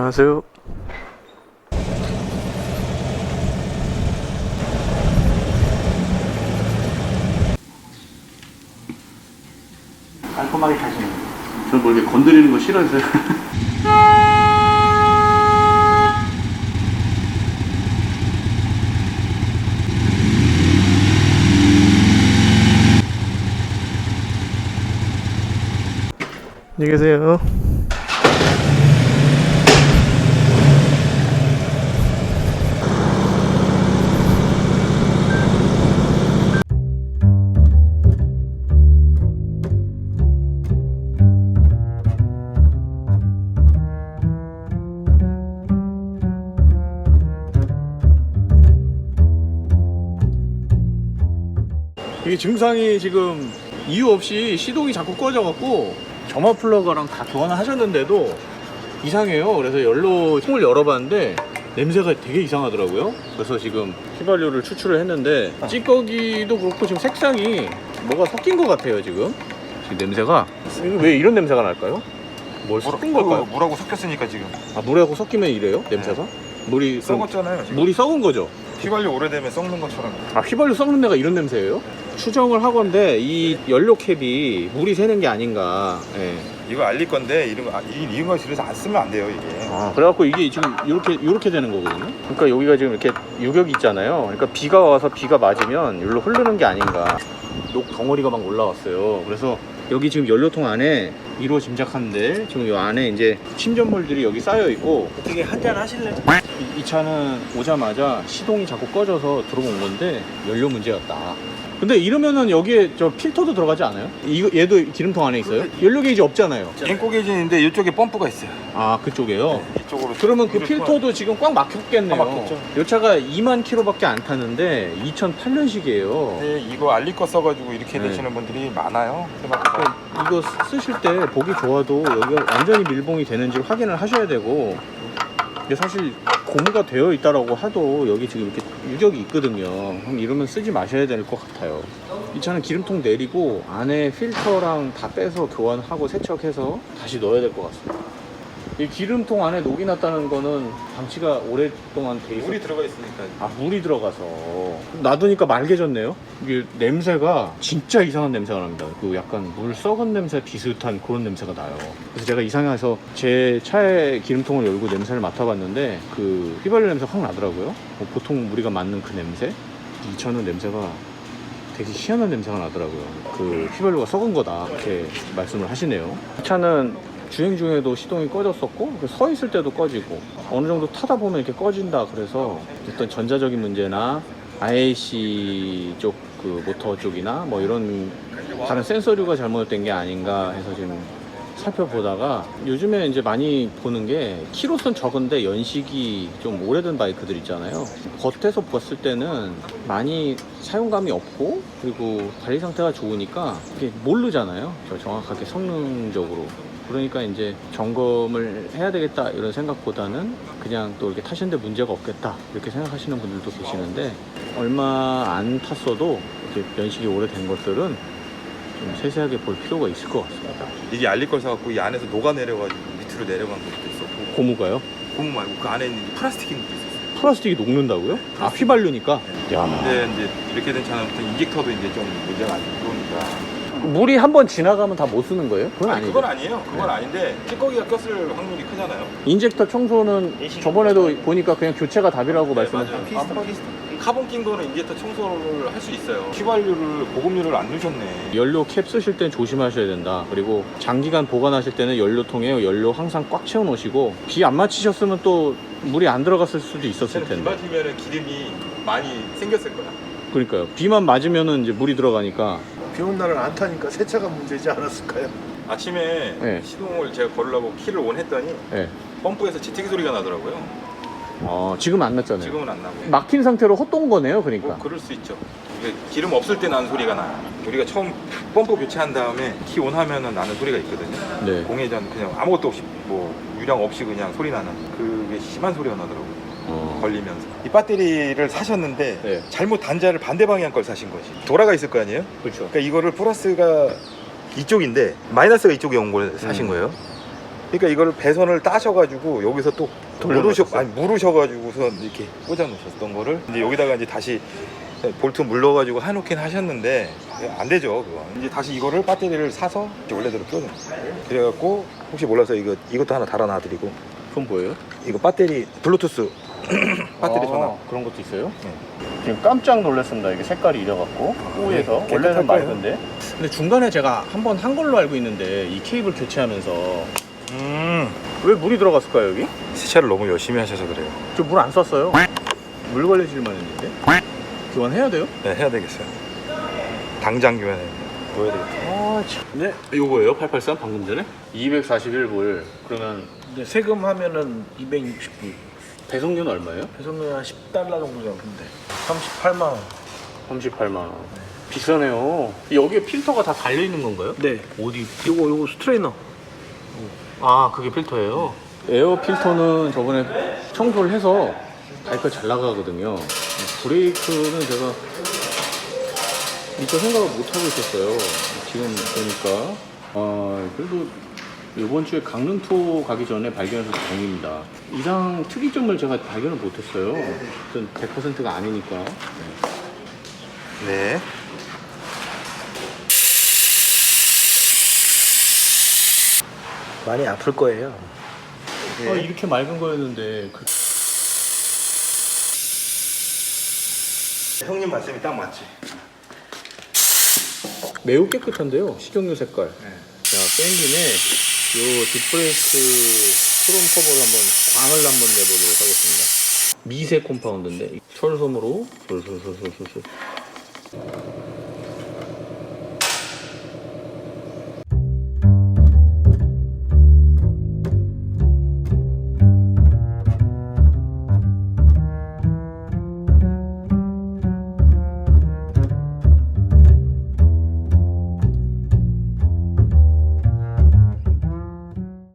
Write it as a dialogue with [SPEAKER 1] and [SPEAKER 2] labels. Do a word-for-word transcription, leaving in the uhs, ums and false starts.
[SPEAKER 1] 안녕하세요.
[SPEAKER 2] 깔끔하게 타시는 거예요.
[SPEAKER 1] 저는 뭐 이렇게 건드리는 거 싫어해서요. 안녕히 계세요. 이게 증상이 지금 이유 없이 시동이 자꾸 꺼져갖고 점화 플러그랑 다 교환을 하셨는데도 이상해요. 그래서 열로 통을 열어봤는데 냄새가 되게 이상하더라고요. 그래서 지금 휘발유를 추출을 했는데 찌꺼기도 그렇고 지금 색상이 뭐가 섞인 것 같아요. 지금 지금 냄새가 왜 이런 냄새가 날까요? 뭘 섞은 걸까요?
[SPEAKER 2] 물하고 섞였으니까 지금.
[SPEAKER 1] 아, 물하고 섞이면 이래요? 냄새가? 물이 그럼
[SPEAKER 2] 썩었잖아요. 지금.
[SPEAKER 1] 물이 썩은 거죠?
[SPEAKER 2] 휘발유 오래되면 썩는 것처럼.
[SPEAKER 1] 아, 휘발유 썩는 데가 이런 냄새예요? 추정을 하건데 이 연료 캡이 물이 새는 게 아닌가. 예.
[SPEAKER 2] 이거 알릴 건데 이런 거, 아, 이 이런 거 집에서 안 쓰면 안 돼요 이게.
[SPEAKER 1] 아, 그래갖고 이게 지금 이렇게 이렇게 되는 거거든요. 그러니까 여기가 지금 이렇게 유격이 있잖아요. 그러니까 비가 와서 비가 맞으면 여기로 흐르는 게 아닌가. 녹 덩어리가 막 올라왔어요. 그래서 여기 지금 연료통 안에 이로 짐작하는데 지금 이 안에 이제 침전물들이 여기 쌓여 있고.
[SPEAKER 2] 어떻게 한잔 하실래요?
[SPEAKER 1] 이, 이 차는 오자마자 시동이 자꾸 꺼져서 들어온 건데 연료 문제였다. 근데 이러면은 여기에 저 필터도 들어가지 않아요? 이거 얘도 기름통 안에 있어요? 연료 게이지 없잖아요.
[SPEAKER 2] 앵꼬 게이지인데 이쪽에 펌프가 있어요.
[SPEAKER 1] 아, 그쪽에요?
[SPEAKER 2] 네, 이쪽으로.
[SPEAKER 1] 그러면 그 필터도 지금 꽉 막혔겠네요.
[SPEAKER 2] 아, 막혔죠.
[SPEAKER 1] 이 차가 이만 킬로밖에 안 탔는데 이천팔 년식이에요.
[SPEAKER 2] 네, 이거 알릴 거 써가지고 이렇게
[SPEAKER 1] 네.
[SPEAKER 2] 되시는 분들이 많아요.
[SPEAKER 1] 그러니까 이거 쓰실 때 보기 좋아도 여기가 완전히 밀봉이 되는지 확인을 하셔야 되고, 이게 사실 고무가 되어 있다라고 하도 여기 지금 이렇게 유격이 있거든요. 그럼 이러면 쓰지 마셔야 될 것 같아요. 이 차는 기름통 내리고 안에 필터랑 다 빼서 교환하고 세척해서 다시 넣어야 될 것 같습니다. 이 기름통 안에 녹이 났다는 거는 방치가 오랫동안 돼 있어.
[SPEAKER 2] 물이 들어가 있으니까.
[SPEAKER 1] 아, 물이 들어가서 놔두니까 맑아졌네요. 이게 냄새가 진짜 이상한 냄새가 납니다. 그 약간 물 썩은 냄새 비슷한 그런 냄새가 나요. 그래서 제가 이상해서 제 차의 기름통을 열고 냄새를 맡아봤는데 그 휘발유 냄새가 확 나더라고요. 뭐 보통 우리가 맡는 그 냄새, 이 차는 냄새가 되게 희한한 냄새가 나더라고요. 그 휘발유가 썩은 거다 이렇게 말씀을 하시네요. 이 차는 주행 중에도 시동이 꺼졌었고 서 있을 때도 꺼지고 어느 정도 타다 보면 이렇게 꺼진다. 그래서 어떤 전자적인 문제나 아이에이씨 쪽 그 모터 쪽이나 뭐 이런 다른 센서류가 잘못된 게 아닌가 해서 지금 살펴보다가 요즘에 이제 많이 보는 게 키로수는 적은데 연식이 좀 오래된 바이크들 있잖아요. 겉에서 봤을 때는 많이 사용감이 없고 그리고 관리 상태가 좋으니까 이게 모르잖아요. 저 정확하게 성능적으로. 그러니까 이제 점검을 해야 되겠다 이런 생각보다는 그냥 또 이렇게 타시는데 문제가 없겠다 이렇게 생각하시는 분들도 계시는데, 얼마 안 탔어도 이렇게 연식이 오래된 것들은 좀 세세하게 볼 필요가 있을 것 같습니다.
[SPEAKER 2] 이게 알릴 걸 사갖고 이 안에서 녹아 내려가지고 밑으로 내려간 것도 있었고.
[SPEAKER 1] 고무가요?
[SPEAKER 2] 고무 말고 그 안에 있는 플라스틱인 것도 있었어요.
[SPEAKER 1] 플라스틱이 녹는다고요? 아, 휘발유니까? 야.
[SPEAKER 2] 근데 이제 이렇게 된 차는 인젝터도 이제 좀 문제가 안 들어오니까.
[SPEAKER 1] 물이 한번 지나가면 다 못 쓰는 거예요? 그건
[SPEAKER 2] 아니,
[SPEAKER 1] 아니죠.
[SPEAKER 2] 그건 아니에요. 그건 아닌데 찌꺼기가 꼈을 확률이 크잖아요.
[SPEAKER 1] 인젝터 청소는 저번에도 보니까 그냥 교체가 답이라고 말씀하셨어요.
[SPEAKER 2] 네, 맞아요. 카본 낀 거는 인젝터 청소를 할 수 있어요. 휘발유를 보급류를 안 넣으셨네.
[SPEAKER 1] 연료 캡 쓰실 땐 조심하셔야 된다. 그리고 장기간 보관하실 때는 연료통에 연료 항상 꽉 채워 놓으시고, 비 안 맞히셨으면 또 물이 안 들어갔을 수도 있었을
[SPEAKER 2] 비
[SPEAKER 1] 텐데.
[SPEAKER 2] 맞으면 기름이 많이 생겼을 거야.
[SPEAKER 1] 그러니까요. 비만 맞으면은 이제 물이 들어가니까.
[SPEAKER 3] 비 온 날은 안 타니까 세차가 문제지 않았을까요?
[SPEAKER 2] 아침에
[SPEAKER 1] 네.
[SPEAKER 2] 시동을 제가 걸으려고 키를 온 했더니
[SPEAKER 1] 네.
[SPEAKER 2] 펌프에서 지티기 소리가 나더라고요.
[SPEAKER 1] 어, 지금 안 났잖아요.
[SPEAKER 2] 지금은 안 나고.
[SPEAKER 1] 막힌 상태로 헛돈 거네요, 그러니까.
[SPEAKER 2] 뭐 그럴 수 있죠. 이게 기름 없을 때 나는 소리가 나요. 우리가 처음 펌프 교체한 다음에 키 온 하면은 나는 소리가 있거든요.
[SPEAKER 1] 네.
[SPEAKER 2] 공회전 그냥 아무것도 없이 뭐 유량 없이 그냥 소리 나는 그게 심한 소리가 나더라고요.
[SPEAKER 1] 어.
[SPEAKER 2] 걸리면서. 이 배터리를 사셨는데
[SPEAKER 1] 네.
[SPEAKER 2] 잘못 단자를 반대 방향 걸 사신 거지. 돌아가 있을 거 아니에요?
[SPEAKER 1] 그렇죠.
[SPEAKER 2] 그러니까 이거를 플러스가 이쪽인데 마이너스가 이쪽에 온 걸 사신
[SPEAKER 1] 음.
[SPEAKER 2] 거예요. 그러니까 이거를 배선을 따셔가지고 여기서 또 물으셔 아니 물으셔가지고선 이렇게 꽂아 놓으셨던 거를 이제 여기다가 이제 다시 볼트 물러가지고 해놓긴 하셨는데 안 되죠 그거. 이제 다시 이거를 배터리를 사서 이제 원래대로 껴줘. 그래갖고 혹시 몰라서 이거 이것도 하나 달아놔드리고.
[SPEAKER 1] 그건 뭐예요?
[SPEAKER 2] 이거 배터리 블루투스 배터리
[SPEAKER 1] 아,
[SPEAKER 2] 전화.
[SPEAKER 1] 그런 것도 있어요?
[SPEAKER 2] 네.
[SPEAKER 1] 지금 깜짝 놀랐습니다. 이게 색깔이 이래갖고 호에서
[SPEAKER 2] 네,
[SPEAKER 1] 원래는
[SPEAKER 2] 깨끗할 거예요.
[SPEAKER 1] 맑은데. 근데 중간에 제가 한번 한 걸로 알고 있는데 이 케이블 교체하면서
[SPEAKER 2] 음.
[SPEAKER 1] 왜 물이 들어갔을까요 여기?
[SPEAKER 2] 세차를 너무 열심히 하셔서 그래요.
[SPEAKER 1] 저 물 안 썼어요. 물 관리실만 했는데. 교환해야 돼요?
[SPEAKER 2] 네, 해야 되겠어요. 당장 교환해야 돼요. 보여야 되겠다.
[SPEAKER 1] 아 참. 네. 요거예요? 팔팔삼 방금 전에? 이백사십일 불. 그러면
[SPEAKER 3] 근데 세금 하면은 이백육십 불.
[SPEAKER 1] 배송료는 얼마예요?
[SPEAKER 3] 배송료 한 십 달러 정도 잡는데 삼십팔만 원.
[SPEAKER 1] 삼십팔만 원. 비싸네요. 여기에 필터가 다 달려 있는 건가요?
[SPEAKER 3] 네.
[SPEAKER 1] 어디?
[SPEAKER 3] 요거 요거 스트레이너.
[SPEAKER 1] 아 그게 필터예요? 에어 필터는 저번에 청소를 해서 바이크가 잘 나가거든요. 브레이크는 제가 이거 생각을 못하고 있었어요. 지금 보니까 아 그래도 이번 주에 강릉 투어 가기 전에 발견해서 다행입니다. 이상 특이점을 제가 발견을 못했어요. 일단 백 퍼센트가 아니니까.
[SPEAKER 2] 네.
[SPEAKER 3] 많이 아플 거예요.
[SPEAKER 1] 아, 이렇게 맑은 거였는데 그...
[SPEAKER 2] 형님 말씀이 딱 맞지.
[SPEAKER 1] 매우 깨끗한데요. 식용유 색깔. 자, 뺀 김에 요 뒷브레이크 크롬 커버를 한번 광을 한번 내보도록 하겠습니다. 미세 콤파운드인데 철솜으로 솔솔솔솔솔